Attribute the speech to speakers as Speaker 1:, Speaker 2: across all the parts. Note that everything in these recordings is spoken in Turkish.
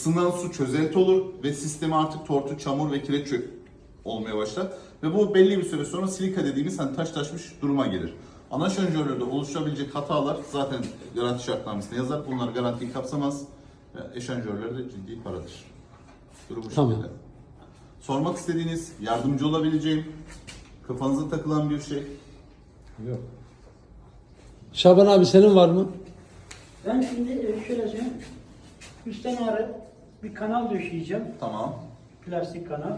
Speaker 1: Isınan su çözelti olur ve sistemi artık tortu, çamur ve kireç olmaya başlar. Ve bu belli bir süre sonra silika dediğimiz hani taşlaşmış duruma gelir. Ana şarjörlerde oluşabilecek hatalar zaten garanti şartnamesinde yazar. Bunlar garantiyi kapsamaz. Eşanjörler de ciddi paradır. Durum bu
Speaker 2: Tamam.
Speaker 1: şekilde. Sormak istediğiniz, yardımcı olabileceğim, kafanıza takılan bir şey.
Speaker 3: Yok.
Speaker 2: Şaban abi senin var mı?
Speaker 4: Ben şimdi şöyle söyleyeyim. Üstten ağrı bir kanal döşeyeceğim.
Speaker 1: Tamam.
Speaker 4: Plastik kanal.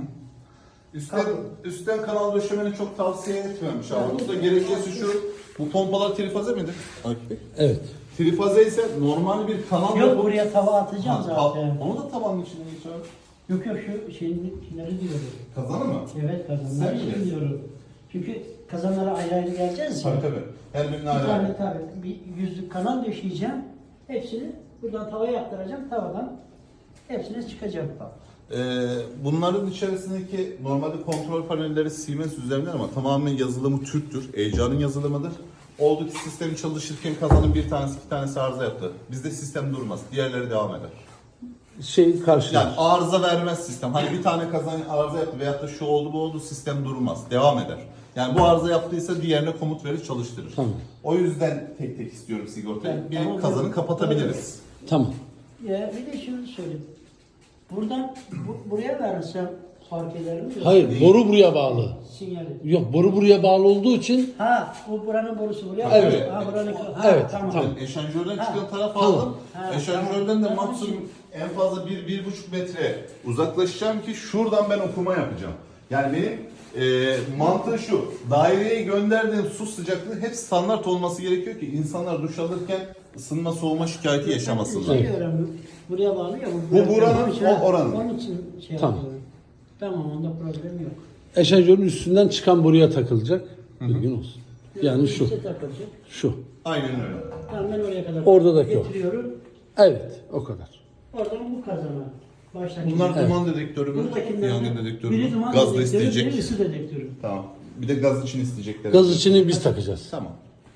Speaker 1: Üstten kanal döşemeni çok tavsiye etmiyorum Şaban'da. Gerekçesi şu, bu pompalar trifaze midir?
Speaker 2: Evet.
Speaker 1: Trifaze ise normal bir kanal
Speaker 4: Yok, buraya tava atacağım
Speaker 1: Ha,
Speaker 4: zaten.
Speaker 1: onu da tavanın içine geçiyor.
Speaker 4: Yok şu şeyleri diyorum.
Speaker 1: Kazanı mı?
Speaker 4: Evet, kazanları
Speaker 1: Sen
Speaker 4: için diyorum. Çünkü kazanlara ayrı ayrı geleceğiz ya.
Speaker 1: Tabii. Her birine
Speaker 4: Bir
Speaker 1: ayrı
Speaker 4: tane
Speaker 1: ayrı.
Speaker 4: tabii bir yüzlük kanal döşeyeceğim. Hepsini buradan tavaya aktaracağım. Tavadan hepsine çıkacak bak.
Speaker 1: Bunların içerisindeki normalde kontrol panelleri Siemens üzerinden ama tamamen yazılımı Türk'tür. Heyecanın yazılımıdır. Oldu ki sistemi çalışırken kazanın bir tanesi iki tanesi arıza yaptı. Bizde sistem durmaz. Diğerleri devam eder.
Speaker 2: Karşılar.
Speaker 1: Yani arıza vermez sistem. Hani bir tane kazan arıza yaptı veyahut da şu oldu bu oldu sistem durmaz. Devam eder. Yani bu arıza yaptıysa diğerine komut verir çalıştırır.
Speaker 2: Tamam.
Speaker 1: O yüzden tek tek istiyorum sigortayı.
Speaker 4: Evet,
Speaker 1: Bir
Speaker 4: tamam.
Speaker 1: kazanı kapatabiliriz.
Speaker 2: Tamam.
Speaker 4: Ya bir de şunu söyleyeyim. Buradan buraya verirsem fark eder mi?
Speaker 2: Hayır, boru buraya bağlı.
Speaker 4: Sinyali.
Speaker 2: Yok, boru buraya bağlı olduğu için
Speaker 4: Ha, bu buranın borusu buraya.
Speaker 2: Evet.
Speaker 4: Ha, buranın.
Speaker 2: Evet,
Speaker 4: tamam.
Speaker 2: tamam.
Speaker 1: Ben eşanjörden
Speaker 4: Ha.
Speaker 1: çıkan taraf
Speaker 2: Tamam.
Speaker 1: aldım.
Speaker 4: Ha,
Speaker 1: Eşanjörden de
Speaker 4: tamam.
Speaker 1: maksimum en fazla 1-1,5 metre uzaklaşacağım ki şuradan ben okuma yapacağım. Yani benim mantığı şu, daireye gönderdiğim su sıcaklığı hep standart olması gerekiyor ki insanlar duş alırken ısınma soğuma şikayeti yaşamasınlar.
Speaker 4: Şey öğrendim. Buraya bağlı ya.
Speaker 1: Bu buranın,
Speaker 4: için-
Speaker 1: o oranın.
Speaker 4: Onun için şey
Speaker 2: Tamam.
Speaker 4: yapıyorum. Tamam, onda problem yok.
Speaker 2: eşanjörün üstünden çıkan boruya takılacak. Bilgin olsun. Yani şu.
Speaker 4: İşte takılacak.
Speaker 2: Şu.
Speaker 1: Aynen öyle.
Speaker 4: Tamam, ben oraya kadar
Speaker 2: Oradaki o.
Speaker 4: getiriyorum.
Speaker 2: Evet, o kadar.
Speaker 4: Oradan bu kazana. Baştaki.
Speaker 1: Bunlar duman dedektörü mü?
Speaker 4: Buradakinden
Speaker 1: Yangın dedektörü
Speaker 4: biri
Speaker 1: mü?
Speaker 4: duman
Speaker 1: Gaz da
Speaker 4: dedektörü,
Speaker 1: isteyecek.
Speaker 4: biri ısı dedektörü.
Speaker 1: Tamam. Bir de gaz için isteyecekler.
Speaker 2: Gaz içini biz takacağız.
Speaker 1: Tamam.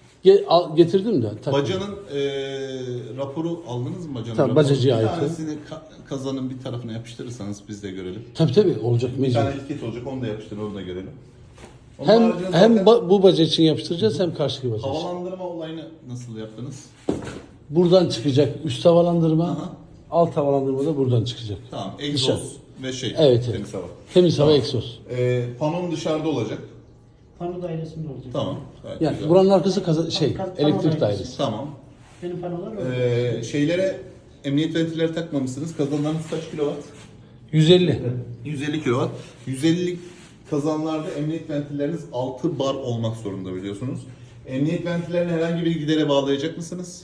Speaker 2: Getirdim de. tak.
Speaker 1: Bacanın raporu aldınız mı bacanın
Speaker 2: Tabii,
Speaker 1: raporu?
Speaker 2: bacacıya
Speaker 1: Bir
Speaker 2: ait.
Speaker 1: tanesini kazanın bir tarafına yapıştırırsanız biz de görelim.
Speaker 2: Tabii olacak
Speaker 1: Bir
Speaker 2: mecbur.
Speaker 1: tane etiket olacak onu da yapıştırın onu da görelim. Onun
Speaker 2: Hem
Speaker 1: haricinde
Speaker 2: hem
Speaker 1: zaten
Speaker 2: bu baca için yapıştıracağız hem karşıki baca için.
Speaker 1: havalandırma olayını nasıl yaptınız?
Speaker 2: Buradan çıkacak üst havalandırma,
Speaker 1: Aha.
Speaker 2: alt havalandırma da buradan çıkacak.
Speaker 1: Tamam,
Speaker 2: Dışarı.
Speaker 1: egzoz ve şey,
Speaker 2: Evet, evet.
Speaker 1: temiz hava.
Speaker 2: Temiz hava
Speaker 1: Tamam.
Speaker 2: egzoz.
Speaker 1: Panon dışarıda olacak.
Speaker 4: Pano dairesinde olacak.
Speaker 1: Tamam. Gayet
Speaker 2: Yani
Speaker 1: güzel.
Speaker 2: buranın arkası elektrik
Speaker 4: dairesi.
Speaker 2: dairesi.
Speaker 1: Tamam.
Speaker 4: Benim panolar orada.
Speaker 1: Şeylere emniyet ventilleri takmamışsınız. Kazanlarınız kaç kilowatt?
Speaker 2: 150.
Speaker 1: 150 kilowatt. 150 kazanlarda emniyet ventilleriniz 6 bar olmak zorunda biliyorsunuz. Emniyet ventillerini herhangi bir gidere bağlayacak mısınız?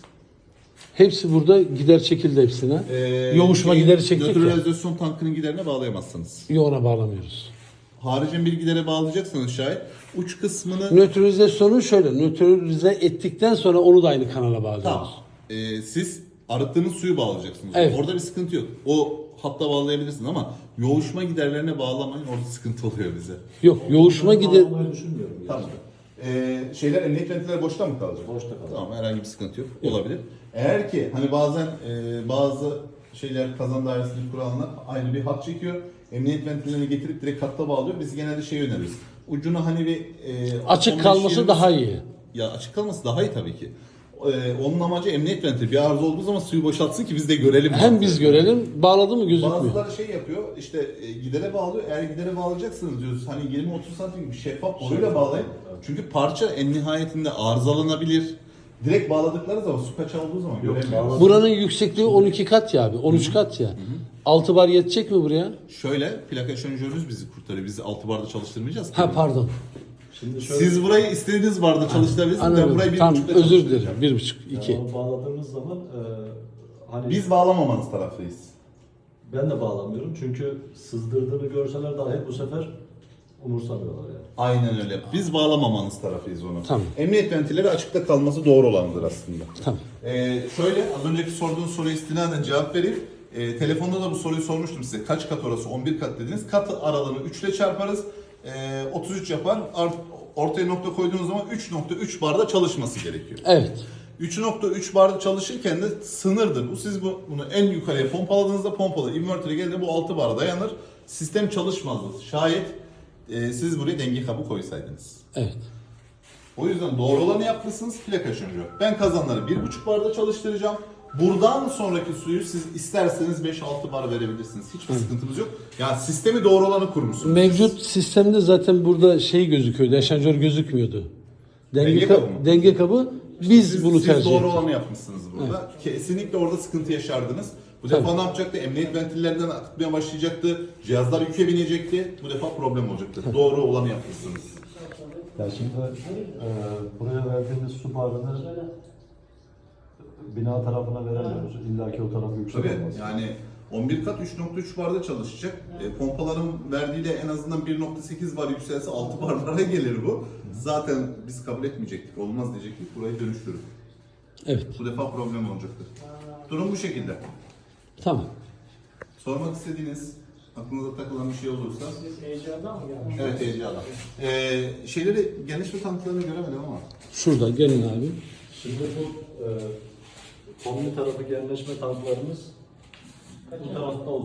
Speaker 2: Hepsi burada gider çekildi hepsine. Yoğuşma gideri çektik ya.
Speaker 1: Nötralizasyon tankının giderine bağlayamazsınız.
Speaker 2: Yoğuna bağlamıyoruz.
Speaker 1: Haricen bir gidere bağlayacaksanız şayet uç kısmını
Speaker 2: Nötralizasyonu şöyle, nötralize ettikten sonra onu da aynı kanala bağlıyoruz.
Speaker 1: tamam. Siz arıttığınız suyu bağlayacaksınız.
Speaker 2: Evet.
Speaker 1: Orada bir sıkıntı yok. O hatta bağlayabilirsiniz ama yoğuşma giderlerine bağlamayın. Orada sıkıntı oluyor bize.
Speaker 2: Yok, yoğuşma gider.
Speaker 3: Bağlamayı düşünmüyorum. Yani.
Speaker 1: Tamam. Emniyet ventiller boşta mı kalacak?
Speaker 3: Boşta kalacak.
Speaker 1: Tamam, herhangi bir sıkıntı yok. Olabilir. Eğer ki hani bazen bazı şeyler kazan dairesinin kuralına aynı bir hat çekiyor. Emniyet ventillerini getirip direkt hatta bağlıyor. Biz genelde şey öneririz. Ucuna hani bir
Speaker 2: Açık
Speaker 1: 15-20
Speaker 2: kalması daha iyi.
Speaker 1: Ya açık kalması daha iyi tabii ki. Onun amacı emniyet ventili. Bir arıza olduğu zaman suyu boşaltsın ki biz de görelim.
Speaker 2: Hem biz görelim, bağladı mı gözükmüyor.
Speaker 1: Bazıları şey yapıyor işte gidere bağlıyor. Eğer gidere bağlayacaksınız diyoruz. Hani 20-30 santim bir şeffaf boruyla bağlayın. Çünkü parça en nihayetinde arızalanabilir. Direkt bağladıkları zaman su kaçağı olduğu zaman göremiyoruz.
Speaker 2: Buranın yüksekliği 12 kat ya abi, 13 kat ya. 6 bar yetecek mi buraya?
Speaker 1: Şöyle plaka eşanjörünüz bizi kurtarıyor. Biz 6 barda çalıştırmayacağız ki.
Speaker 2: Ha pardon.
Speaker 3: Şimdi şöyle
Speaker 1: Siz burayı istediğiniz barda çalıştırabilirsiniz. Ben
Speaker 2: Anladım.
Speaker 1: burayı 1,5'da
Speaker 2: Tamam, özür
Speaker 1: çalıştıracağım.
Speaker 2: dilerim. 1,5, 2.
Speaker 3: yani bağladığımız zaman hani
Speaker 1: Biz bağlamamanız taraftayız.
Speaker 3: ben de bağlamıyorum çünkü sızdırdığını görseler dahi bu sefer umursamıyorlar yani.
Speaker 1: Aynen öyle. Biz bağlamamanız tarafıyız onu.
Speaker 2: Tamam.
Speaker 1: Emniyet ventilleri açıkta kalması doğru olandır aslında.
Speaker 2: Tamam.
Speaker 1: Şöyle az önceki sorduğun soruya istinaden cevap vereyim. Telefonda da bu soruyu sormuştum size. Kaç kat orası? 11 kat dediniz. Kat aralığını 3 ile çarparız. 33 yapar. Ortaya nokta koyduğunuz zaman 3.3 barda çalışması gerekiyor.
Speaker 2: Evet.
Speaker 1: 3.3 barda çalışırken de sınırdır. Bu siz bunu en yukarıya pompaladığınızda inverter'e geldiğinde bu 6 bara dayanır. Sistem çalışmazdı. Şayet siz buraya denge kabı koysaydınız.
Speaker 2: Evet.
Speaker 1: O yüzden doğru olanı yapmışsınız, plaka şarjı. Ben kazanları 1.5 barda çalıştıracağım. Buradan sonraki suyu siz isterseniz 5-6 bar verebilirsiniz. Hiçbir sıkıntımız yok. Yani sistemi doğru olanı kurmuşsunuz.
Speaker 2: Mevcut sistemde zaten burada şey gözüküyordu. Eşanjör gözükmüyordu.
Speaker 1: Denge kabı mı?
Speaker 2: Denge kabı biz bunu tercih
Speaker 1: Siz doğru
Speaker 2: ettik.
Speaker 1: olanı yapmışsınız burada. Kesinlikle orada sıkıntı yaşardınız. Bu defa ne yapacaktı? Emniyet ventillerinden akıtmaya başlayacaktı. Cihazlar yüke binecekti. Bu defa problem olacaktı. Doğru olanı yapmışsınız.
Speaker 3: Ya şimdi buraya verdiğimiz su barını bina tarafına veremiyoruz. İlla ki o tarafı yüksek
Speaker 1: Tabii
Speaker 3: olması.
Speaker 1: yani 11 kat 3.3 barda çalışacak. Pompaların verdiğiyle en azından 1.8 bar yükselse 6 barlara gelir bu. Zaten biz kabul etmeyecektik. Olmaz diyecektik. Burayı dönüştürün.
Speaker 2: Evet.
Speaker 1: Bu defa problem olacaktır. Durum bu şekilde.
Speaker 2: Tamam.
Speaker 1: Sormak istediğiniz, aklınıza takılan bir şey olursa.
Speaker 4: Siz heyecandan mı geldiniz?
Speaker 1: Evet, heyecanla. Şeyleri, geniş bir tanıtlarını göremedim ama.
Speaker 2: Şurada gelin abi.
Speaker 3: Şimdi bu kombi tarafı genleşme tanklarımız bu tarafta